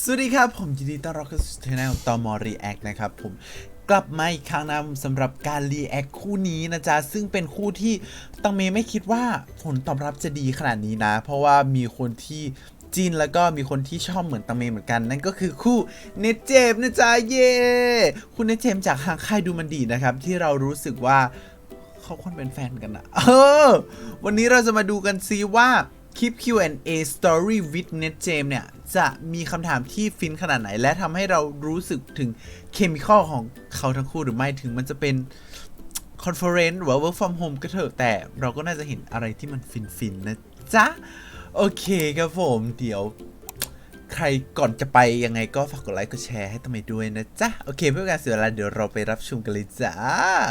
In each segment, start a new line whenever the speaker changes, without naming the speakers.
สวัสดีครับผมยินดีต้อนรับเข้าสู่ช่องตมรีแอคนะครับผมกลับมาอีกครั้งนะสำหรับการรีแอคคู่นี้นะจ๊ะซึ่งเป็นคู่ที่ตังเมไม่คิดว่าผลตอบรับจะดีขนาดนี้นะเพราะว่ามีคนที่จีนแล้วก็มีคนที่ชอบเหมือนตังเมเหมือนกันนั่นก็คือคู่เนเจมนะจ๊ะเย่คุณเนเจมจากทางค่ายดูมันดีนะครับที่เรารู้สึกว่าเขาควรเป็นแฟนกันอะวันนี้เราจะมาดูกันซิว่าคลิป Q&A Story with Net James เนี่ยจะมีคำถามที่ฟินขนาดไหนและทำให้เรารู้สึกถึงเคมีคอลของเขาทั้งคู่หรือไม่ถึงมันจะเป็นคอนเฟอเรนซ์หรือว่า work from home ก็เถอะแต่เราก็น่าจะเห็นอะไรที่มันฟินนะจ๊ะโอเคครับผมเดี๋ยวใครก่อนจะไปยังไงก็ฝากกดไลค์กดแชร์ให้ตั้งไปด้วยนะจ๊ะโอเคเพื่อการเสียเวลาเดี๋ยวเราไปรับชมกันเลยจ้า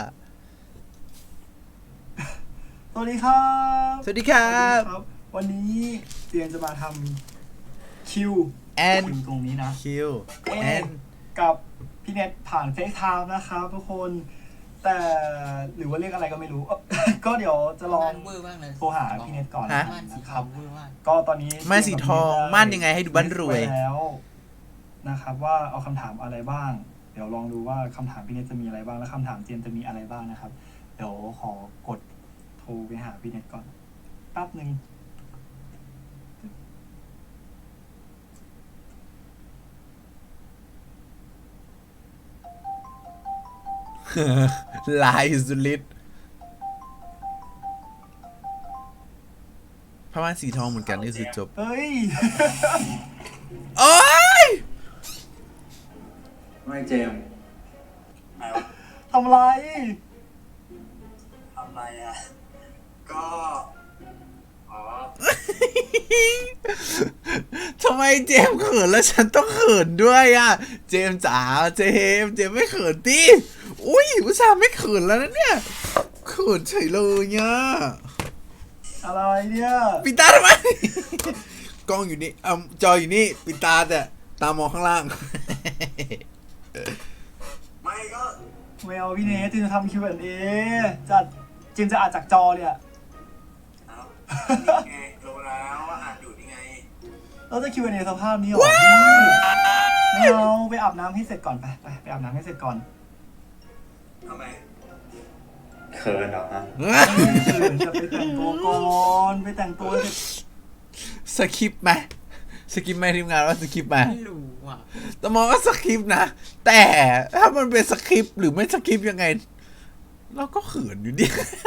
สวัสดีครับ
สวัสดีครับ
วันนี้เตียนจะมาทำคิว
and
ตรงนี้นะ
Q and
กับพี่เน็ตผ่านเฟซไทม์นะครับทุกคนแต่หรือว่าเรียกอะไรก็ไม่รู้ ก็เดี๋ยวจะลองโทรหาพี่เน็ตก่อนนะครับ ก็ตอนนี้
ม่านสีทองม่านยังไงให้ดูบ้านรวย
แล้วนะครับว่าเอาคำถามอะไรบ้าง เดี๋ยวลองดูว่าคำถามพี่เน็ตจะมีอะไรบ้างและคำถามเจมจะมีอะไรบ้างนะครับเดี๋ยวขอกดโทรไปหาพี่เน็ตก่อนแป๊บนึง
ลายสุดฤทธิ์พม่านสีทองเหมือนกันนี่คือจบ
เฮ้ย
โอ้ย
ไม่เจมส์
ทำไร
ทำไรอ่ะ ก็ อ๋อ
ทำไมเจมส์เขินแล้วฉันต้องเขินด้วยอ่ะ เจมส์จ๋าเจมส์ไม่เขินดิอุ้ยอุตส่าห์ไม่เขินแล้วนะเนี่ยเขินเฉยเลยเนี่ย
อะไรเนี่ย
ปิดตาทำไม กล้องอยู่นี่จออยู่นี่ปิดตาแต่ตามองข้างล่าง
ไม่ก็
ไม่เอาพี่เนทจิมจะทำ Q&A จัดจิมจะอ่านจากจอเลยอะ
เอานี่ไงรู้แล้วว่าอ่านอยู่นี่ไง
เราจะ Q&A สภาพนี้เหรอไม่เอาไปอาบน้ำให้เสร็จก่อนไปอาบน้ำให้เสร็จก่อน
ทำไมเขินเหรอฮะ
จะไปแต่งตัวก่อนไปแต่งตัวเสร็จ
สคริปต์ไหมสคริปต์ไหมทีมงานว่าสคริปต์ไหม
ไม่รู้อ่ะ
แต่มองว่าสคริปต์นะแต่ถ้ามันเป็นสคริปต์หรือไม่สคริปต์ยังไงเราก็เขินอยู่ดิ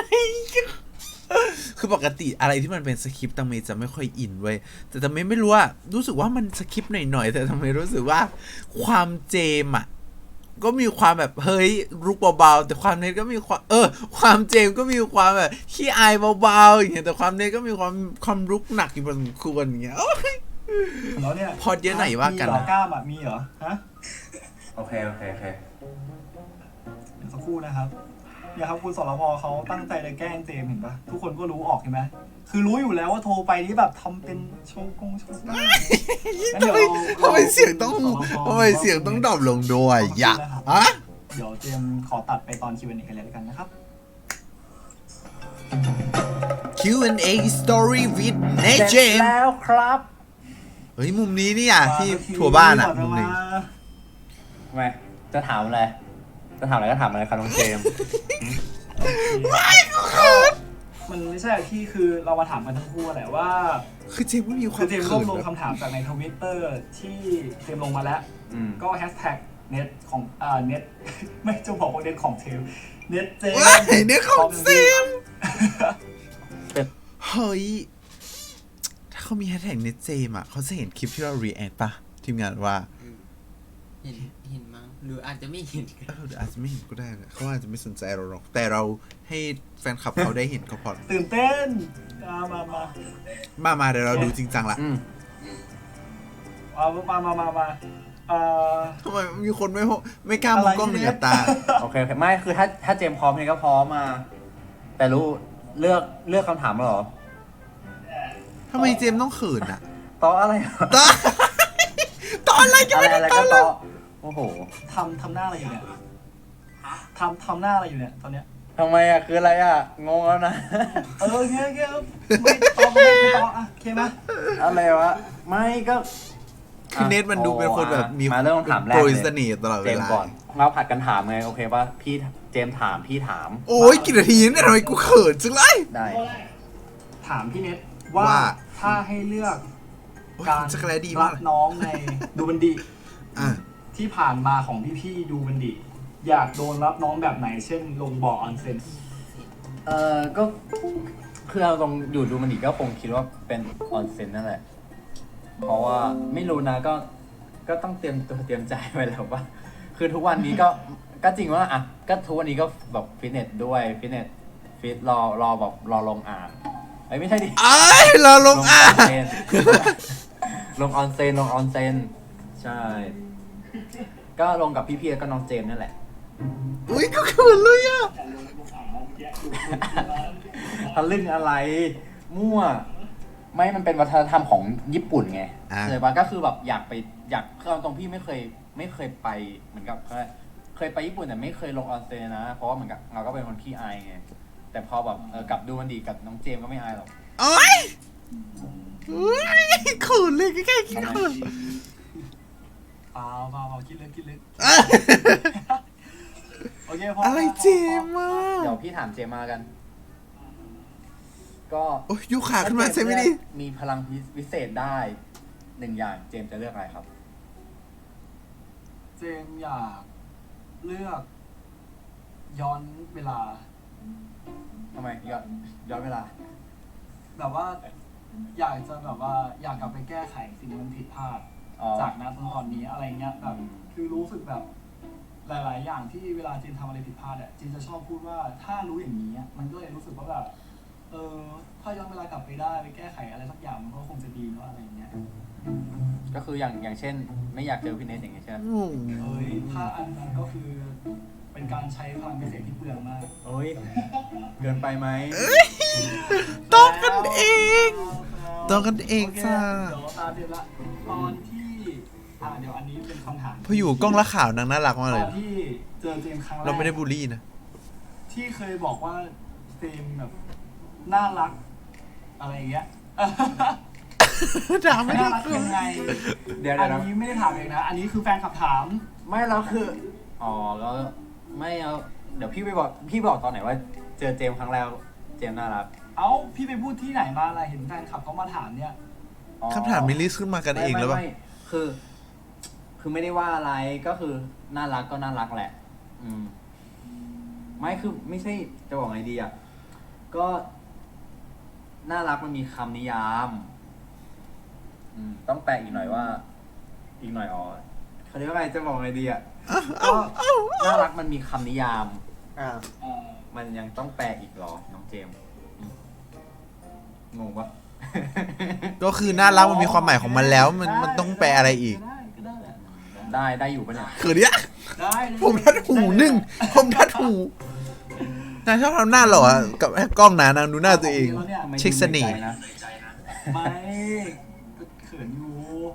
คือปกติอะไรที่มันเป็นสคริปต์ตังเมจะไม่ค่อยอินเว้ยแต่ตังเมไม่รู้ว่ารู้สึกว่ามันสคริปต์หน่อยๆแต่ตังเมรู้สึกว่าความเจมอ่ะก็มีความแบบเฮ้ยรุกเบาๆแต่ความเน็ตก็มีความความเจมก็มีความแบบขี้อายเบาๆอย่างเงี้ยแต่ความเน็ตก็มีความรุกหนักอยู่พอสมควรอย่างเงี้ย
แล้วเนี่ย
พอดเยอะไหนว่ากัน
มีเหรอกล้ามอะมีเหรอฮะ
โอเค
เดี๋ยวสักครู่นะครับเนี่ยครับคุณสรพเขาตั้งใจจะแกล้งเจมส์เห็นปะทุกคนก็รู้ออกใช่ไหมคือรู้อยู่แล้วว่าโทรไปนี่แบบทำเป็นโชว์กล้งั้นเดี๋ยวเรา
ทำไมเสียงต้องดรอปลงด้วยอย่าฮะ
เดี๋ยวเจมส์ขอตัดไปตอน Q&A กันเลยแล้วกันนะครับ
Q&A story with Net James
แล้วครับ
เฮ้ยมุมนี้เนี่ยที่ทัวร์บ้านอ่ะมุมนี้
ทำไมจะถามอะไร จะถามอะไรก็ถามอะไรครับน้องเจมส์
มันไม่ใช่ที่คือเรามาถามกันทั้งคู่แหละว่า
คือเจมส์ไม่มีควา
คื
ม
อเจมส์ร
เขิ
วบ
น
รวม
นะ
คำถามจากในทวิตเตอร์ที่เจมส์ลงมาแล้ว ก็แฮชแท็กเน็ตของเน็ต ไม่จะบอกว่าเน็ตของเทมเน็ตเจม
ว้ายเนี่ยของเจมส์เฮ้ยถ้าเขามีแฮชแท็กเน็ตเจมส์อ่ะเขาจะเห็นคลิปที่เรา react ป่ะทีมงานว่า
เห็นมั้งหรืออาจจะไม่เห็นก็ได้
เดี๋ยวอาจจะไม่เห็นก็ได้นะเขาอาจจะไม่สนใจเราหรอกแต่เราให้แฟนคลับเขาได้เห็นก็พอ
ตื่นเต้น
มาเดี๋ยวเราดูจริงจังละ
มา
ทำไมมีคนไม่กล้ามองกล้องหนึ่งกับตา
โอเคไม่คือถ้าเจมส์พร้อมเนี่ยก็พร้อมมา แต่รู้เลือกคำถามแล้วเหรอ
ทำไมเจมส์ต้องเขินอ่ะ
ต่ออะไร
ตอนอะไรกันไม่ได้
อะไร
ตอ
ก็
นเล
ต่
ย
อโอ้โห
ทำหน้าอะไรอยู่เนี่ยทำหน้าอะไรอยู่เนี่ยตอนเนี้ย
ทำไมอ่ะคืออะไรอ่ะงงแล้วนะ
โอเคไม่ตอบไม่ตอบโอเคไหม
อะไรวะไม่ก็
คือเนทมันดูเป็นคนแบบมี
มาเริ่มคำถามแรก
โปร
เลย
ยเสน่ห์ตลอด
เจ
เว
ม
ลา
ส์ก่อนเราผัดกันถามไงโอเคป่ะพี่เจมส์ถามพี่ถาม
โอ้ยกี่นาทีเนี่ยทำไมกูเขินจังเลย
ได้
ถามพี่เน็ตว่า
ว่า
ถ้าให้เลือก
โอ้ย
การ
จักรแลดี
รั
มาก
บน้องในดูบันดี
อ่ะ
ที่ผ่านมาของพี่ๆดูบันดี อยากโดนรับน้องแบบไหน เช่น ลงบ่อออนเซ็น
ก็คือเราตรงอยู่ดูมันดีก็คงคิดว่าเป็นออนเซ็นนั่นแหละ เพราะว่าไม่รู้นะก็ต้องเตรียมตัวเตรียมใจไว้แล้วว่า คือทุกวันนี้ก็จริงว่าอ่ะก็ทุกวันนี้ก็แบบฟิตเนสด้วยฟิตเนสฟิตรอแบบรอลงอ่างไอ้ยไม่ใช่ดิ
ไอ้ยเราลงอ่ะ
เซ็น ลงออนเซ็นใช่ ก็ลงกับพี่ๆแล้วก็น้องเจมส์นั่นแหละ
อุ้ยก็เขินเลยอ่ะ
ทะลึ่งอะไร มั่ว ไม่มันเป็นวัฒนธรรมของญี่ปุ่นไง
อ่า
เลยปะก็คือแบบอยากคือเอาตรงพี่ไม่เคยไปเหมือนกับเคยไปญี่ปุ่นแต่ไม่เคยลงออนเซ็นนะ เพราะว่าเหมือนกับเราก็เป็นคนขี้อายไง แต่พอแบบกลับดูมันดีกับน้องเจมส์ก็ไม่อายหรอก
โอ้ยอุ้ยเขินเลยแค่คิดเขิน
เปล่าคิดลึก
อ่ะ
โอเคพอ
อะไรเจมส์มา
เดี๋ยวพี่ถามเจมส์มากัน ก็
โอ้ยยุขาขึ้นมาใช่ไหมดิ
มีพลังวิเศษได้หนึ่งอย่างเจมส์จะเลือกอะไรครับ
เจมส์อยากเลือกย้อนเวลา
ทำไมย้อนเวลา
แบบว่าอยากจะแบบว่าอยากกลับไปแก้ไขสิ่งที่มันผิดพลาด
อ๋อ
จากนั้นจนตอนนี้อะไรเงี้ยแบบ
อืม
คือรู้สึกแบบหลาย ๆ อย่างที่เวลาจีนทำอะไรผิดพลาดอ่ะจีนจะชอบพูดว่าถ้ารู้อย่างนี้อะมันก็เลยรู้สึกว่าแบบถ้าย้อนเวลากลับไปได้ไปแก้ไขอะไรสักอย่างมันก็คงจะดีเนาะอะไรเงี้ย
ก็คืออย่างเช่น ไม่อยากเจอพี่เนทอย่างเงี้ยใช่ไหม
ถ้าอันนั้นก็คือเป็นการใช้พลังพิเศษที่เปลืองมาก
โอ้ยเกินไปไหม
ต้องกันเองต้องกันเอง
โค
จ้า
เดี๋ยวตาเดือนละตอนที่เดี๋ยวอันนี้เป็นคำถาม
พออยู่กล้องละข่าวนางน่ารักมาก
ต
เล
อย นที่เจอเจมส์ครั้งแรก
เราไม่ได้บูลลี่นะ
ที่เคยบอกว่าเจมส์แบบน่ารักอะไรอย่างเงี้ย
ด่าไม่ได้
น่ารักยังไง
เดี๋ยว
อัน
นะ
นี้ไม่ได้ถามเองนะ อันนี้คือแฟนคลับถาม
ไม่แล้วคือ อ๋อแล้วไม่เอาเดี๋ยวพี่บอกตอนไหนว่า เจอเจมส์ครั้งแรกเจมส์น่ารัก
เอ้าพี่ไปพูดที่ไหนมาอะไรเห็นแฟนคลับเขามาถามเนี่ย
อ๋อ
คำถามมิลลิสขึ้นมากันเองแล้วป่ะ
ไม่คือไม่ได้ว่าอะไรก็คือน่ารักก็น่ารักแหละ อืม ไม่คือไม่ใช่จะบอกไงดีอ่ะก็น่ารักมันมีคำนิยาม ต้องแปลอีกหน่อยว่า อีกหน่อยอ๋อเขาเรียกว่าไงจะบอกไงดีอ่ะก็น่ารักมันมีคำนิยาม มันยังต้องแปลอีกเหรอน้องเจมส์งงปะ
ก็คือน่ารักมันมีความหมายของมันแล้ว มันต้องแปลอะไรอีก
ก็ได้แหละ
ได้อยู่ปะเนี่ย
เขินเนี่ย
ได้
ผมทัดหูหนึ่งผมทัดหูนายชอบทำหน้าหล่ออะกับกล้องหนานางดูหน้าตัวเอง
แล้วเนี่ย
ทำไม
เช็คเสน่ห์
ดูใใจนะ
ไม่ก็เขินอยู่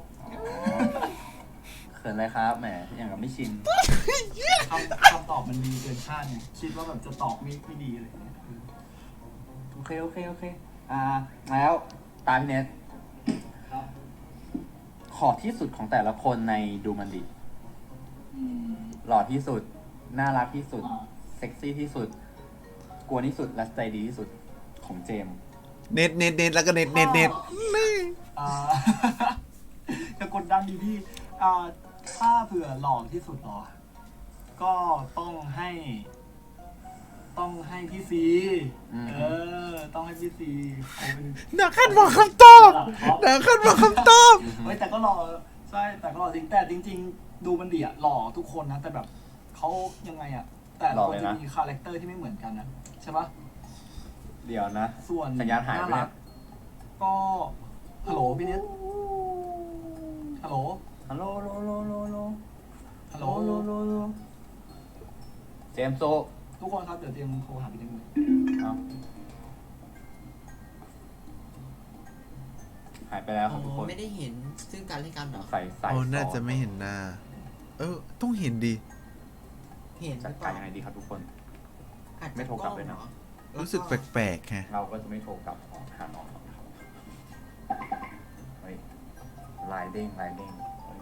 เขินอะไรครับแหมอย่างกับไม่ชิน
คำตอบมันดีเกินคาดเนี่ยคิดว่าแบบจะตอบไม่ดีอะไรอย่างเงี้ย
โอเคแล้วตามพี่เน็ต
ครับ
ขอที่สุดของแต่ละคนในดูมันดิหล่อที่สุด น่ารักที่สุด เซ็กซี่ที่สุด กวนที่สุด และใจดีที่สุดของเจมส์
เน็ตแล้วก็เน็ตนี่
อ่า จะกดดันดีพี่ถ้าเผื่อหล่อที่สุดหรอ ก็ต้องให้พี่ซีต้องให้พี่ซีเขาเป็น
นักขันบอกคำตอบนักขันบอกคำตอบ
เฮ้ยแต่ก็หล่อใช่แต่ก็หล่อจริงแต่จริง ๆ ดูมันดีอะหล่อทุกคนนะแต่แบบเขายังไงอะแต่ละคนจะมีคาแรคเตอร์ที่ไม่เหมือนกันนะใช่ปะ
เดี๋ยวนะ
ส่วน
สัญญาณหายไป
น่า
เนี่
รั
ย
กก็ฮัลโหลพี่เน็ตฮัลโหล
ฮัลโหลฮัลโหล
ฮัลโหล
เจมส์โซ
ทุกคนครับเดี๋ยวเตรียมโทรหาพี่เน็ตเลย
เอาหายไปแล้วครับทุกคน
ไม่ได้เห็นซึ่งกันและกันเหรอ
ใส่
โอ้น่าจะไม่เห็นหน้า ต้องเห็นดี
เห็นห
จัด
รือเป
การ
ล่า
ยังไงดีครับทุกคน
อาจจะ
ไม่โทรกลับเลยนะ
ล้องหอ
รู้สึกแปลกๆฮะ
เราก็จะไม่โทรกลับหาน้องหรอกครับเฮ้ยไลน์เด้ง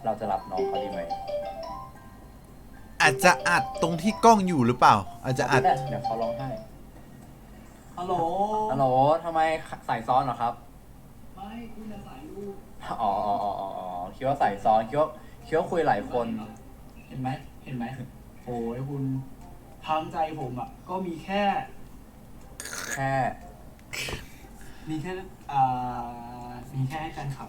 เราจะรับน้องเขาดีไหม
อาจจะอัดตรงที่กล้องอยู่หรือเปล่า อาจจะอัด
เดี๋ยวเขาร้องไห้
ฮัลโหล
ฮัลโหลทำไมใส่ซ้อนเหรอครับ
ไม่คุณจะใส่รูป
อ๋อคิดว่าใส่ซ้อนคิดว่าคุยหลายคน
เห็นไหมโอ้ยคุณทางใจผมอ่ะก็มีแค่
แค่
มีแค่ให้แฟนคลับ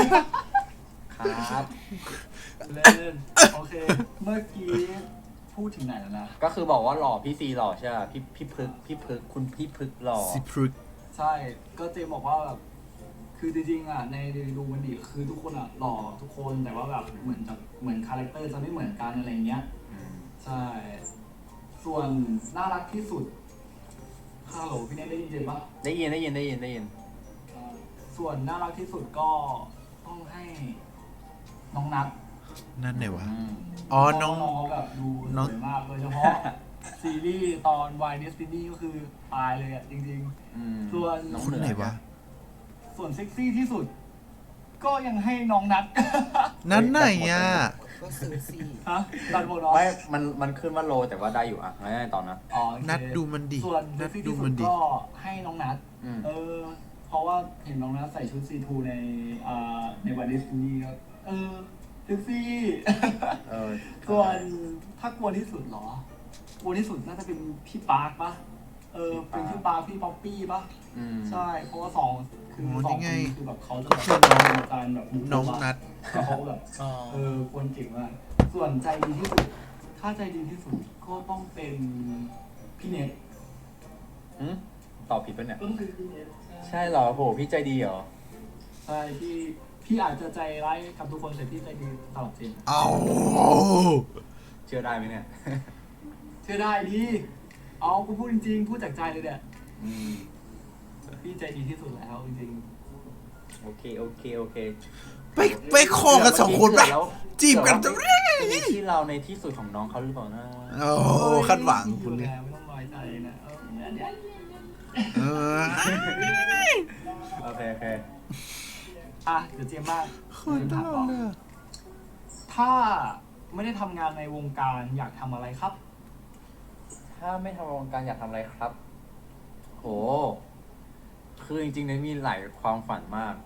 ครับ
เล่นโอเค เมื่อกี้พูดถึงไหนแล้วนะ
ก็คือบอกว่าหล่อพี่ซีหล่อใช่ไหมพี่พึกคุณพี่พึกหล่อ
สิพรึก
ใช่ก็เจมบอกว่าแบบคือจริงๆอ่ะในดูมันดีคือทุกคนอ่ะหล่อทุกคนแต่ว่าแบบเหมือนคาแรคเตอร์จะไม่เหมือนกันอะไรเงี้ย ใช่ ส่วนน่ารักที่สุดฮัลโหลพี่เนทได้ยินเจมปะ
ได้ยิน
ส่วนน่ารักที่สุดก็ต้องให้น้องนัท
นั่นไหนวะ อ๋อ น้อง
เขาแบบดูส
น้อง
วยมากโดยเฉพาะ ซีรีส์ตอนวายเนสตินี่ก็คือตายเลยอ่ะจริงๆ ส่วน
น้อง
คนไหนวะ
ส่วนเซ็กซี่ที่สุด ก็ยังให้น้องนัท
นั้นไหนอ่ะ
ก็ซื้อสิ
ฮะตัดหมดเนาะ
ไม่มันขึ้นว่าโลแต่ว่าได้อยู่อ่ะไม่ได้ตอนนะ
อ๋อโอเค
นัดดูมันดิ
ส่วน
นั
เซ็
ด
กซี่
ดู
ที่สุ
มั
ด
นดิ
ก็ให้น้องนัท
อืม
เพราะว่าเห็นน้องนัทใส่ชุดซีทูในวายเนสตินี่ก็เซ็กซี่ ส่วนถ้ากลัวที่สุดเหรอกลัวที่สุดน่าจะเป็นพี่ปาร์คปะเป็นพี่ปาร์คพี่ป๊อปปี้ปะ ใช่ เพราะว่าสองคือ
โอ้
สอง
นี่
ค
ไง
นคือแบบเขาจะ
ก็คือน้อง
การแบบมุก
น้องนัด
แล้วเขาแบบ
อ๋อ
คนเก่งมากส่วนใจดีที่สุด ถ้าใจดีที่สุดก็ต้องเป็นพี่เน็ต
ตอบผิดปะเนี่ย
ก็คือพี่เน็ต
ใช่เหรอโหพี่ใจดีเหรอ
ใช่พี่อาจจะใจร้ายกับทุกคนแต่พี่ใจดีตลอดเจน
เอา
เชื่อได้ไหมเนี่ย
เชื่อได้ดิเอากูพูดจริงๆพูดจากใจเลยเนี่ย
อืม
พี่ใจดีที่สุดแล้วจริง
โอเค
ไปคอกันสองคนปะจีบกันจะ
มีที่เราในที่สุดของน้องเขาหรือเปล่านะ
โอ้คาดหวังคุณ
เล
เลย ย
ไม่ต้องน้อยใจนะเดี๋ยว
เออ
โอเค
เดี๋ยวเจมส์มาก
คนตลอดเลยอะ
ถ้าไม่ได้ทำงานในวงการอยากทำอะไรครับ
ถ้าไม่ทำวงการอยากทำอะไรครับ โห คือจริงๆเนี่ยมีหลายความฝันมาก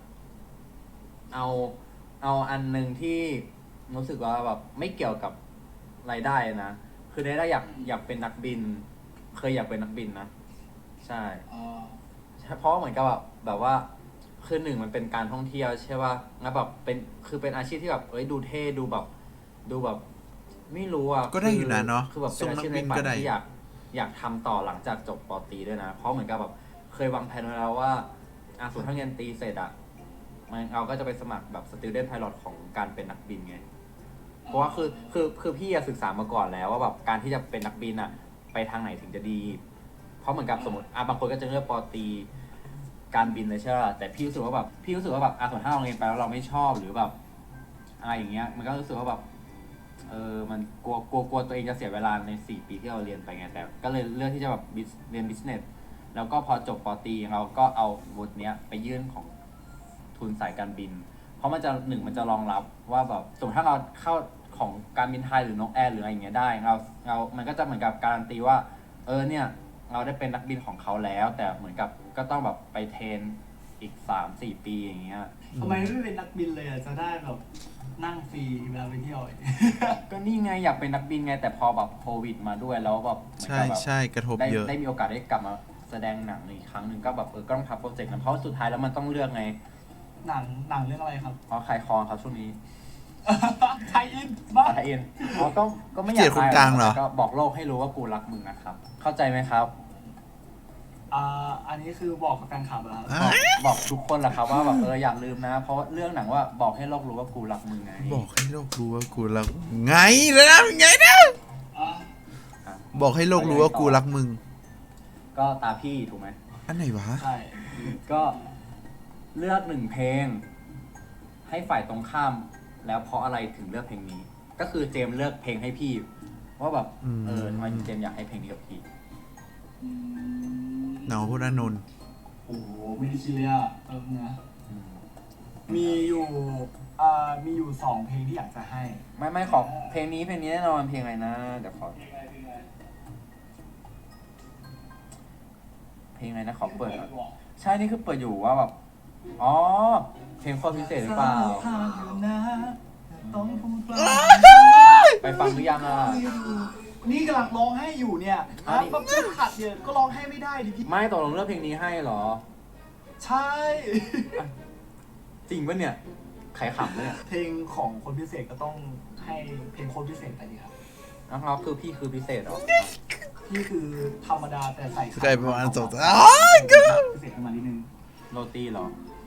เอาอันหนึ่งที่รู้สึกว่าแบบไม่เกี่ยวกับรายได้นะ คือได้อยากเป็นนักบิน เคยอยากเป็นนักบินนะ ใช่ เพราะเหมือนกับแบบว่าคือหนึ่งมันเป็นการท่องเที่ยวใช่ป่ะแล้วแบบเป็นอาชีพที่แบบดูเท่ดูแบบไม่รู้อ่ะ
ก็ได้อยู่นะเนาะ
คือแบบเป็นอาชีพในฝันที่อยากทำต่อหลังจากจบป.ตรีด้วยนะ เพราะเหมือนกับแบบเคยวางแผนไว้แล้วว่าสมมติถ้าเรียนตรีเสร็จอ่ะเราก็จะไปสมัครแบบ student pilot ของการเป็นนักบินไง เพราะว่าคือพี่ศึกษามาก่อนแล้วว่าแบบการที่จะเป็นนักบินอ่ะ ไปทางไหนถึงจะดี เพราะเหมือนกับสมมติบางคนก็จะเลือกป.ตรีการบินเลยใช่ป่ะแต่พี่รู้สึกว่าแบบสมมติถ้าเราเรียนไปแล้วเราไม่ชอบหรือแบบอะไรอย่างเงี้ยมันก็รู้สึกว่าแบบมันกลัวตัวเองจะเสียเวลาใน4 ปีที่เราเรียนไปไงแต่ก็เลยเลือกที่จะแบบเรียน business แล้วก็พอจบป.ตรีเราก็เอาวุฒิเนี้ยไปยื่นของทุนสายการบิน เพราะมันจะรองรับว่าแบบสมมติถ้าเราเข้าของการบินไทยหรือนกแอร์หรืออะไรอย่างเงี้ยได้มันก็จะเหมือนกับการันตีว่าเนี่ยเราได้เป็นนักบินของเขาแล้ว แต่เหมือนกับก็ต้องแบบไปเทรนอีก 3-4 ปีอย่างเงี้ย
ทำไมไม่เป็นนักบินเลยอ่ะจะได้แบบนั่งฟรีเวลาไปเที่ยว
ก็นี่ไงอยากเป็นนักบินไงแต่พอแบบโควิดมาด้วยแล้วแบบเหมือน
ใช่
กับแบบ
ใช่กระทบเยอะ
ได้มีโอกาสได้กลับมาแสดงหนังอีกครั้งหนึ่งก็แบบก็ต้องพับโปรเจกต์นั้นเพราะสุดท้ายแล้วมันต้องเลือกไง
หนังเรื่องอะไรครับ
เพราะขายคองครับช่วงนี้
ไทยอินบ้า
ไทยเอ็นก็ไม่อยาก
เกลียดคนกลางเหรอ
ก็บอกโลกให้รู้ว่ากูรักมึงนะครับ เข้าใจไหมครับ
อันนี้คือบอกกับแฟนคลับแล้ว
บอกทุกคนแหละครับว่าแบบอย่าลืมนะ เพราะเรื่องหนังว่าบอกให้โลกรู้ว่ากูรักมึงไง
บอกให้โลกรู้ว่ากูรักไงเลยนะไงนะ
อ่ะ
บอกให้โลกรู้ว่ากูรักมึง
ก็ตาพี่ถูกไหม
อันไหนวะ
ใช่
ก็เลือก1 เพลง ให้ฝ่ายตรงข้าม แล้วเพราะอะไรถึงเลือกเพลงนี้ ก็คือเจมส์เลือกเพลงให้พี่ว่าแบบทำไมเจมส์อยากให้เพลงนี้กับพี่
เนาพุทธานนท์
โอ้โหไม่ได้คิดเลยอ่ะนะมีอยู่มีอยู่2 เพลงที่อยากจะให้
ไม่ขอเพลงนี้แน่นอนเพลงอะไรนะเดี๋ยวขอเพลงอะไรนะขอเปิดก่อนใช่นี่คือเปิดอยู่ว่าแบบอ๋อเพลงโคตรพิเศษหรือเปล่า
ต้องพูดว่า
ไปฟังหรือยังอ่ะ
นี่กำลังร้องให้อยู่เนี่ย
อันนี้
แบบขัดเนี่ยก็ร้องให้ไม่ได้ดิพี่
ไม่ตกลงเลือกเพลงนี้ให้เหรอ
ใช่
จริงปะเนี่ยใครขำเนี่ย
เพลงของคนพิเศษก็ต้องให้เพลงคนพิเศษไปดีครับ
นะครับคือพี่คือพิเศษเหรอ
นี่คือธรรมดาแต่ใส่
ใครประมาณ2
อ๋
อ๋อก็
พิเศษขึ้นมานิดนึง
โรตีเหรอ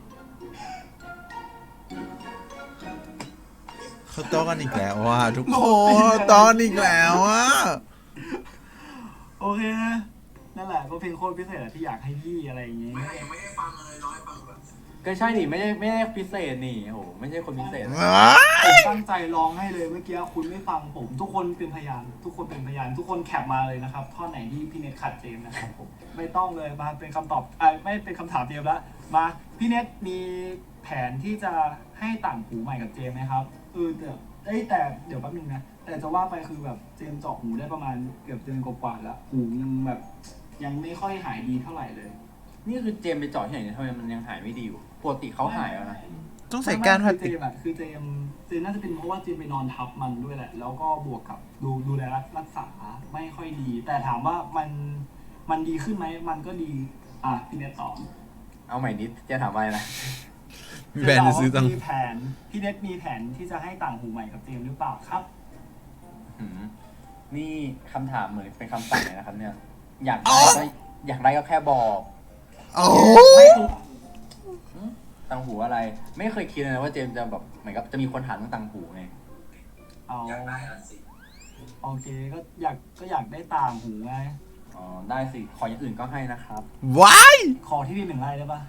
เขาต้อกันอีกแล้วว่ะทุกคนต้อนอีกแล้วอ่ะ
โอเคนะนั่นแหละก็เพลงโคตรพิเศษอะที่อยากให้พี่อะไรอย่างงี้
ยังไม่ได้ฟังเลยร้อยฟังแบบ
ก็ใช่นี่ไม่ได้พิเศษนี่โอ้โหไม่ใช่คนพิเศษ
ผมตั้งใจร้องให้เลยเมื่อกี้คุณไม่ฟังผม ทุกคนเป็นพยาน ทุกคนเป็นพยาน ทุกคนแคปมาเลยนะครับท่อนไหนที่พี่เน็ตขัดเจมส์นะครับผมไม่ต้องเลยมาเป็นคำตอบไม่เป็นคำถามเจมส์ละมาพี่เน็ตมีแผนที่จะให้ต่างหูใหม่กับเจมส์ไหมครับแต่เดี๋ยวแป๊บนึงนะแต่จะว่าไปคือแบบเจมส์เจาะหูได้ประมาณเกือบเดือนกว่าๆแล้วหูยังแบบยังไม่ค่อยหายดีเท่าไหร่เลย
นี่คือเจมไปเจาะที่ไหนเนี่ยทำไมมันยังหายไม่ดีอยู่ปกติเขาหายแล้วนะ
ต้องใส่ก้านพลาส
เจ
ติก
มอะคือเจมน่าจะเป็นเพราะว่าเจมไปนอนทับมันด้วยแหละ แล้วก็บวกกับดูแลรักษาไม่ค่อยดี แต่ถามว่ามันดีขึ้นไหมมันก็ดีพี่เน็ตตอบ
เอาใหม่นิดจะถามอะไรนะ
มีแบรนด์จะซื้อตัง
มีแผนพี่เน็ตมีแผนที่จะให้ต่างหูใหม่กับเจมหรือเปล่าครับ
หืมนี่คำถามเหมือนเป็นคำสั่งเลยนะครับเนี่ย อยากได้ก็อยากได้ก็แค่บอก
โอ้
ไม่คือตังหูอะไร ไม่เคยคิดเลยนะว่าเจมส์จะแบบเหมือนกับจะมีคนถามเรื่องตังหูไง
เอา
อยากได้ละสิ
โอเคก็อยากได้ต่างหูไง
อ๋อได้สิขออย่างอื่นก็ให้นะครับ
ว้าย
ขอที่ดิน1 ไร่ได้ปะ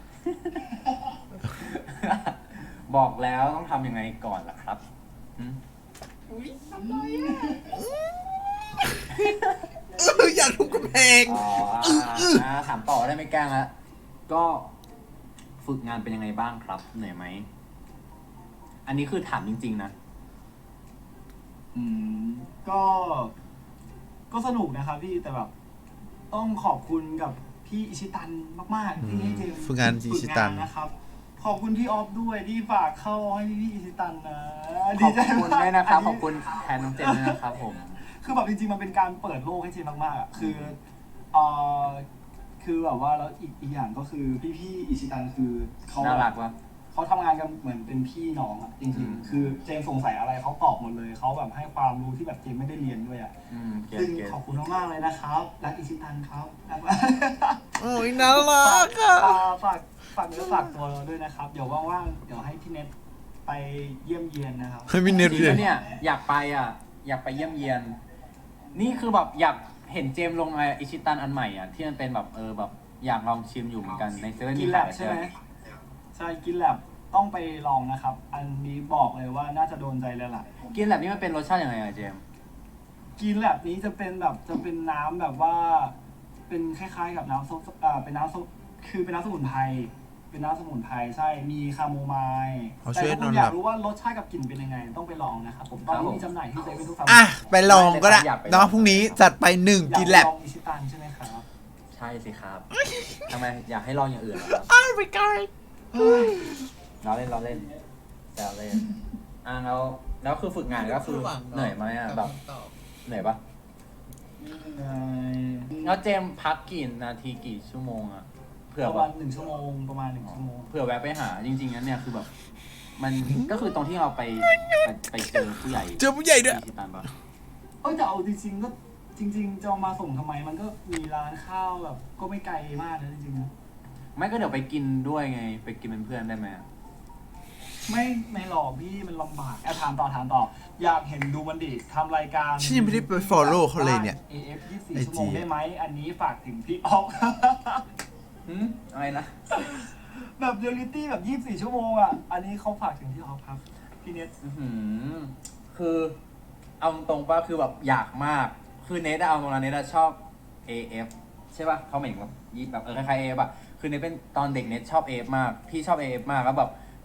บอกแล้วต้องทำยังไงก่อนล่ะครับหืม
อยากทุบกำแพง
อ๋อถามต่อได้ไม่แกล้งละก็ฝึกงานเป็นยังไงบ้างครับเหนื่อยไหมอันนี้คือถามจริงๆนะ
อืมก็สนุกนะครับพี่แต่แบบต้องขอบคุณกับพี่อิชิตันมากๆที่ให้เจมส์
ฝึกงานอิชิตัน
ฝึกงานะครับขอบคุณพี่ออฟด้วยที่ฝากเข้าให้พี่อิชิตันนะ
ขอบคุณด้วยนะครับขอบคุณแทนน้องเจนด้วยนะครับผม
คือแบบจริงๆมันเป็นการเปิดโลกให้เจมส์มากๆอ่ะเอ่อคือแบบว่าแล้วอีกอย่างก็คือพี่อิชิตันคือเขา
น่ารักวะ
เขาทำงานกันเหมือนเป็นพี่น้องอ่ะจริงๆคือเจมส์สงสัยอะไรเขาตอบหมดเลยเขาแบบให้ความรู้ที่แบบเจมส์ไม่ได้เรียนด้วยอ่ะ
เกลียด
ซึ่ง
เกลียด
ขอบคุณมากๆเลยนะครับรักอิชิตันครับรักมาก
โอ้ยน่ารักอ่ะ
ฝากเนื้อฝากตัวเราด้วยนะครับ เดี๋ยวว่างๆเดี๋ยวให้พี่เน็ตไปเยี่ยมเยียนนะครับ
ให้พี่เน็ต
จริง
เลย
ๆเนี่ยอยากไปอยากไปเยี่ยมเยียน นี่คือแบบอยากเห็นเจมส์ลงอิชิตันอันใหม่ที่มันเป็นแบบแบบอยากลองชิมอยู่เหมือนกันในเซเว่น
กิ
มี
นแล
ขาย
บ
ใช่
ใช่
ไห
ไห
ม
มใช่กินแลบต้องไปลองนะครับ อันนี้บอกเลยว่าน่าจะโดนใจเลยล่ะ
กินแบบนี้มันเป็นรสชาติยังไงอะเจมส์
กินแลบนี้จะเป็นน้ำแบบว่า เป็นคล้ายๆกับน้ำส้มเป็นน้ำส้มคือเป็นน้ำสมุนไพรเป็นน้ำสมุนไพรใช่มีคาโมไมล์
เขา
แต่
ช่วย
ถ้าน คุ
อ
ณ
น
อ
ห
ยา
ลั
ก
บ
รู้ว่ารสชาติกับกลิ่นเป็นยังไง ต้องไปลองนะครับผมตอนนี้มีจำหน่ายที่เซเว่นทุกสาขา
อ่ะ ไปลองก็ได้เนาะพรุ่งนี้จัดไป1 กินแลบ
อยากลองอิชิตันใช่ไหมครับ
ใช่สิครับทำไมอยากให้ลองอย่างอื่นเหรอครับ
อ้าวไปไกล
เราเล่นแซวเล่นแล้วคือฝึกงานก็คือเหนื่อยไหมแบบเหนื่อยปะแล้วเจมส์พักกี่นาทีกี่ชั่วโมงเผื่อ
ประ
แบ
มา
บ
ณ1 ชั่วโมงประมาณ1 ชั่วโมง
เผื่อแวะไปหาจริงๆนั้นเนี่ยคือแบบ มันก็คือตรงที่เราไปเจอผู้ใหญ่
เจอผู้ใหญ่ด้วย
ที่ตันปะ
แต่เอาจริงๆก็จริง ๆ จะเอามาส่งทำไมมันก็มีร้านข้าวแบบก็ไม่ไกลมากนะจริงๆนะ
ไม่ก็เดี๋ยวไปกินด้วยไงไปกินเป็นเพื่อนได้ไหม
ไม่หรอกพี่มันลำบากถามต่ออยากเห็นดูมันดิทำรายการ
ฉันยังไม่ได้ไป follow เขาเลยเนี่ย
AF 24
IG
ชั่วโมงได้ไหมอันนี้ฝากถึงพี่ออฟ
อะไรนะ
แบบเรียลลิตี้แบบ24 ชั่วโมงอันนี้เขาฝากถึงพี่ออฟครับพี่เน็ต
คือเอาตรงๆป่ะคือแบบอยากมากคือเนทเอาตรงนั้นเนทชอบ AF ใช่ป่ะเขาเหมือนแบบคล้ายๆ AF อ่ะคือเนทเป็นตอนเด็กเนทชอบ AF มากพี่ชอบ AF มากแล้วแบบ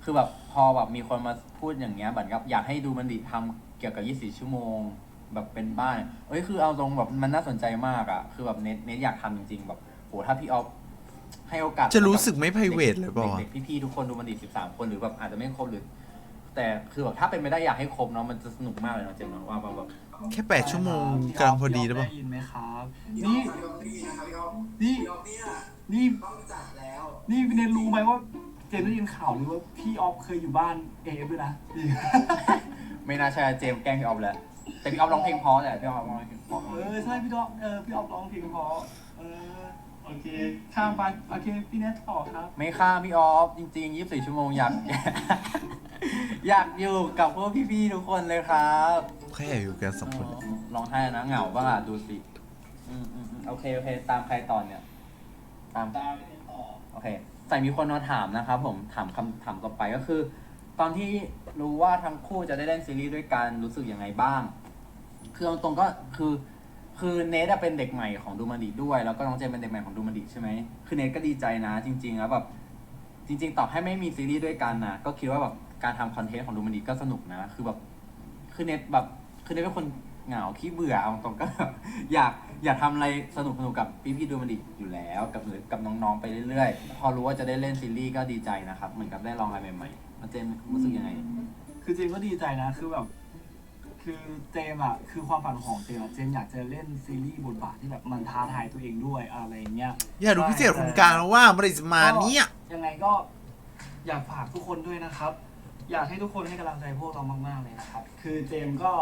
คือแบบพอแบบมีคนมาพูดอย่างเงี้ยเหมือนกับอยากให้ดูมันดิทำเกี่ยวกับ24ชั่วโมงแบบเป็นบ้านคือเอาตรงแบบมันน่าสนใจมากอะคือแบบเน็ตอยากทำจริงๆแบบโหถ้าพี่ออฟให้โอกาส
จะรู้สึกไม่ private เลยเปล่าวะ
เด็กๆพี่ๆทุกคนดูมันดิ13คนหรือแบบอาจจะไม่ครบหรือ แต่คือแบบถ้าเป็นไม่ได้อยากให้ครบเนาะมันจะสนุกมากเลยเนาะเจมส์เนาะว่าแบบ
แค่8 ชั่วโมงกำลังพอดีหรือเปล่า
ได้ยินไหมครับ
นี่
นี่
พี่นะครับพี่อ๊อฟ
นี่
พี่อ๊อฟเนี่ย
นี่
ต้องจัดแล้ว
นี่พี่เนทรู้ไหมว่าเจมส์ได้ยินข่าวหรือว่าพี่ออฟเคยอยู่บ้านเอฟด้วยนะนี่
ไม่น่าใช่เจมส์แกล้งพี่ออฟแล้วแต่พี่ออฟร้องเพลงเพราะแหละพี่ออฟร้องเพลงเพราะ
ใช่พี่ออฟพี่ออฟร้องเพลงเพราะโอเคข้ามไปโอเคพี่เนทต่อครับ
ไม่ฆ่าพี่ออฟจริงๆ24ชั่วโมงอยาก อยากอยู่กับพวกพี่ๆทุกคนเลยครับ
แค่อยู่กัน2 คน
ร้องไห้นะเหงาบ้างอ่ะดูสิโอเคตามใครต่อเนี่ยตามโอเคใส่มีคนมาถามนะครับผมถามคำถามต่อไปก็คือ ตอนที่รู้ว่าทั้งคู่จะได้เล่นซีรีส์ด้วยกันรู้สึกยังไงบ้างคือเอาตรงก็คือเนทเป็นเด็กใหม่ของดูมันดิด้วยแล้วก็น้องเจมเป็นเด็กใหม่ของดูมันดิใช่ไหมคือเนทก็ดีใจนะจริงๆแล้วแบบจริงๆต่อให้ไม่มีซีรีส์ด้วยกันนะก็คิดว่าแบบการทำคอนเทนต์ของดูมันดิก็สนุกนะคือแบบคือเนทเป็นคนเหงาขี้เบื่อเอาตรงก็แบบอยากทำอะไรสนุกกับพี่ดูมันดิอยู่แล้วกับน้องๆไปเรื่อยๆพอรู้ว่าจะได้เล่นซีรีส์ก็ดีใจนะครับเหมือนกับได้ลองอะไรใหม่ๆแล้วเจมรู้สึกยังไง
คือเจมก็ดีใจนะคือแบบคือเจมอ่ะคือความฝันของเจมเจมอยากจะเล่นซีรีส์บทบาทที่แบบมันท้าทายตัวเองด้วยอะไรเงี้ย
อยากดูพิเศษคนกลางแล้วว่าเมื่อไหร่จะมาเนี่ย
ยังไงก็อยากฝากทุกคนด้วยนะครับ อยากให้ทุกคนให้กำลังใจพวกเรามากๆเลยนะครับ คือเจมก็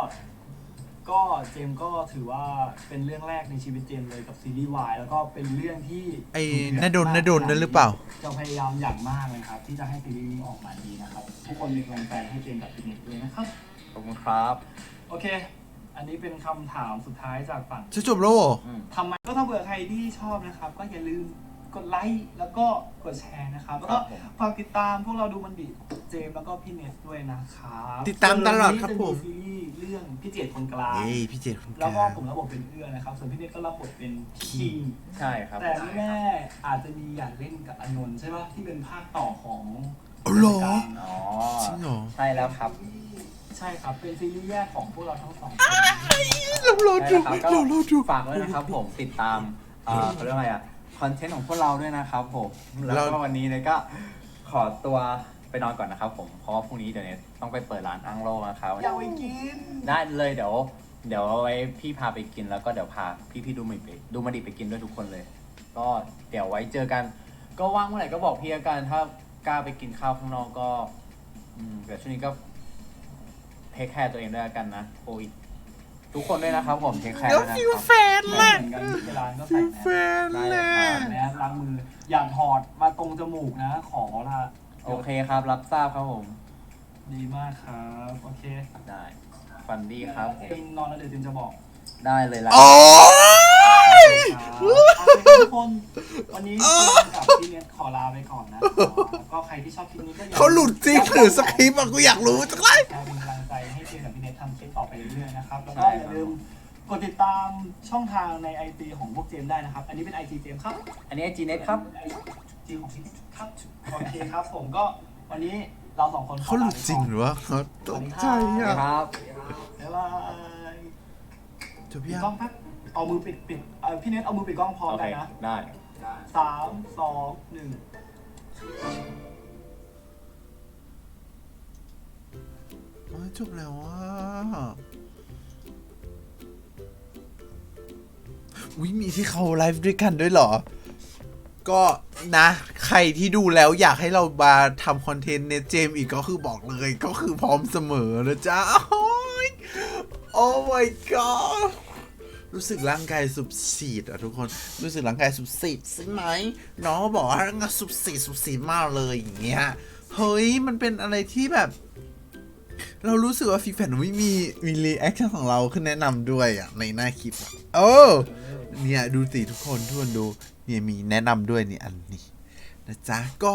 ถือว่าเป็นเรื่องแรกในชีวิตเจมเลยกับซีรีส์วายแล้วก็เป็นเรื่องที่
ไอ้นาดนนั่นหรือเปล่า
จะพยายามอย่างมากเลยครับ ที่จะให้ซีรีส์นี้ออกมาดีนะครับ ทุกคนมีกำลังใจให้เจมกับพี่เน็ตด้วยนะครับ
ขอบคุณครับ
โอเค อันนี้เป็นคำถามสุดท้ายจากฝั่ง
จะจบแล้วเหรอ
ทำไมก็ถ้าเผื่อใครที่ชอบนะครับ ก็อย่าลืมกดไลค์แล้วก็กดแชร์นะครับ แล้วก็ฝากติดตามพวกเราดูมันดิเจมส์แล้วก็พี่เนสด้วยนะครับ
ติดตามตลอดครับผม
จะซีรีส์เรื่องพี่เจตคนกลาง
เอ้ยพี่เจดคนก
แล้ว
ลาง
ก็ผมรับบทเป็นเอื้อนะครับ ส่วนพี่เนสก็รับบทเป็นคิง
ใช่ครับ
แต่ไม่แน่อาจจะมีอยากเล่นกับอนนท์ใช่ปะที่เป็นภาคต่อของ
อ๋อเหรอ
อ๋อ
จริงเหรอ
ใช่แล้วครับ
ใช่ครับ เป็นซีรีส์แยกของพวกเราทั้งสองคน
เรารอดู
ใช่แล้วครับก็
เรารอดู
ฝากด้วยนะครับผมติดตามเขาเรียกว่าอะไรอะคอนเทนต์ของพวกเราด้วยนะครับผมแล้วก็วันนี้เนี่ยก็ขอตัวไปนอนก่อนนะครับผมเพราะว่าพรุ่งนี้เดี๋ยวเนี่ยต้องไปเปิดร้านอังโลนะครับ
อยากไปกิน
ได้เลยเดี๋ยวไว้พี่พาไปกินแล้วก็เดี๋ยวพาพี่ดูมาดิไปกินด้วยทุกคนเลย ก็เดี๋ยวไว้เจอกัน ก็ว่างเมื่อไหร่ก็บอกพี่ละกันถ้ากล้าไปกินข้าวข้างนอกก็เดี๋ยวช่วงนี้ก็เทคแคร์ตัวเองด้วยละกันนะโควิดทุกคนด้วยนะครับผมเทคแคร์
เดี๋ยว
ด้วยนะ
ฟิ
คว รับ
แฟน
เห
แหละ
มือนกันที่ร้านก็ใส่
ฟิว
แมส
แฟนแหละ
แมสล้างมืออย่าถอดมาตรงจมูกนะ ขอละ
โอเคครับรับทราบครับผม
ดีมากครับโอเค
ได้ฟันดี้ครับ
เองนอนแล้วเดี๋ยวเจมจะบอก
ได้เลยละ
โอ้ย
ครับโอเคทุกคนวันนี้เจมกับพี่เนทขอลาไปก่อนนะก็ใครที่ชอบคลิปนี้ก็อย่า
เขาหลุดจริงหรือสคริปต์อะกูอยากรู้จังเลย
เป็นกำลังใจให้เจมกับพี่เนททำคลิปต่อไปเรื่อยๆนะครับแล้วก็อย่าลืมกดติดตามช่องทางใน IG ของพวกเจมได้นะครับ อันนี้เป็น IG เจมครับ
อันนี้จีเน็ตครับ
จีของพี่ครับ โอเคครับ ผมก็วันนี้เราสองคน
เขาหลุดจริงหรือว่าเขาตกใจอ่ะ
ครับ
บ๊ายบาย
จบ
ปิด
ยัง
กล้องแป๊บเอามือปิดพี่เน็ตเอามือปิดกล้องพร้อม
โอ
กั
เคน
นะ
ได้
3 2 1
อ๋อจบแล้วว่าวิมีที่เขาไลฟ์ด้วยกันด้วยเหรอ ก็นะ ใครที่ดูแล้วอยากให้เรามาทำคอนเทนต์เนเจมอีกก็คือบอกเลยก็คือพร้อมเสมอนะจ๊ะโอ้ยโอ้ my god รู้สึกร่างกายสุบสีดอะทุกคนรู้สึกร่างกายสุบสีดใช่ไหมน้องก็บอกว่าร่างกายสุบสีดมากเลยอย่างเงี้ยเฮ้ยมันเป็นอะไรที่แบบ เรารู้สึกว่าฟีแฟนไม่มีรีแอคชั่นของเราขึ้นแนะนำด้วยอ่ะในหน้าคลิปอะโอ้เนี่ยดูสิทุกคนดูเนี่ยมีแนะนำด้วยนี่อันนี้นะจ๊ะก็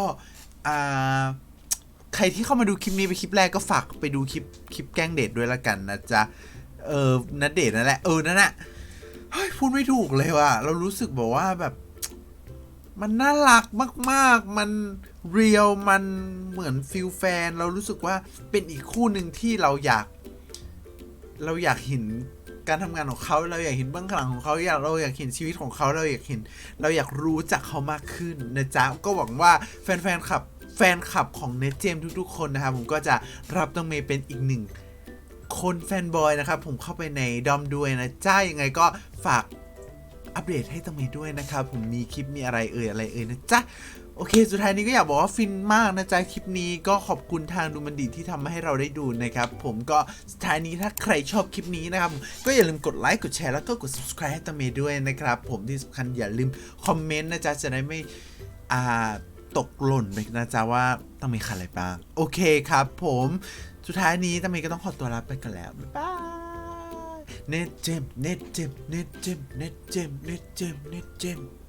ใครที่เข้ามาดูคลิปนี้เป็นคลิปแรกก็ฝากไปดูคลิปแกล้งเดทด้วยละกันนะจ๊ะนัดเดทนั่นแหละนั่นแหละเฮ้ยพูดไม่ถูกเลยว่ะเรารู้สึกบอกว่าแบบมันน่ารักมากๆ มันเรียลมันเหมือนฟิลแฟนเรารู้สึกว่าเป็นอีกคู่หนึ่งที่เราอยากเห็นการทำงานของเขาเราอยากเห็นเบื้องหลังของเขาเราอยากเห็นชีวิตของเขาเราอยากรู้จักเขามากขึ้นนะจ๊ะก็หวังว่าแฟนคลับของเนทเจมทุกๆคนนะครับผมก็จะรับน้องเมย์เป็นอีกหนึ่งคนแฟนบอยนะครับผมเข้าไปในดอมด้วยนะจ้ายังไงก็ฝากอัปเดตให้ต้องเมย์ด้วยนะครับผมมีคลิปมีอะไรนะจ๊ะโอเคสุดท้ายนี้ก็อยากบอกว่าฟินมากนะจ๊ะคลิปนี้ก็ขอบคุณทางดูมันดีที่ทำให้เราได้ดูนะครับผมก็สุดท้ายนี้ถ้าใครชอบคลิปนี้นะครับก็อย่าลืมกดไลค์กดแชร์แล้วก็กด subscribe ให้ต้องเมย์ด้วยนะครับผมที่สำคัญอย่าลืมคอมเมนต์นะจ๊ะจะได้ไม่ตกหล่นไปนะจ๊ะว่าต้องมีอะไรบ้างโอเคครับผมสุดท้ายนี้ต้องเมย์ก็ต้องขอตัวลาไปกันแล้วบ๊ายบายเน็ตเจม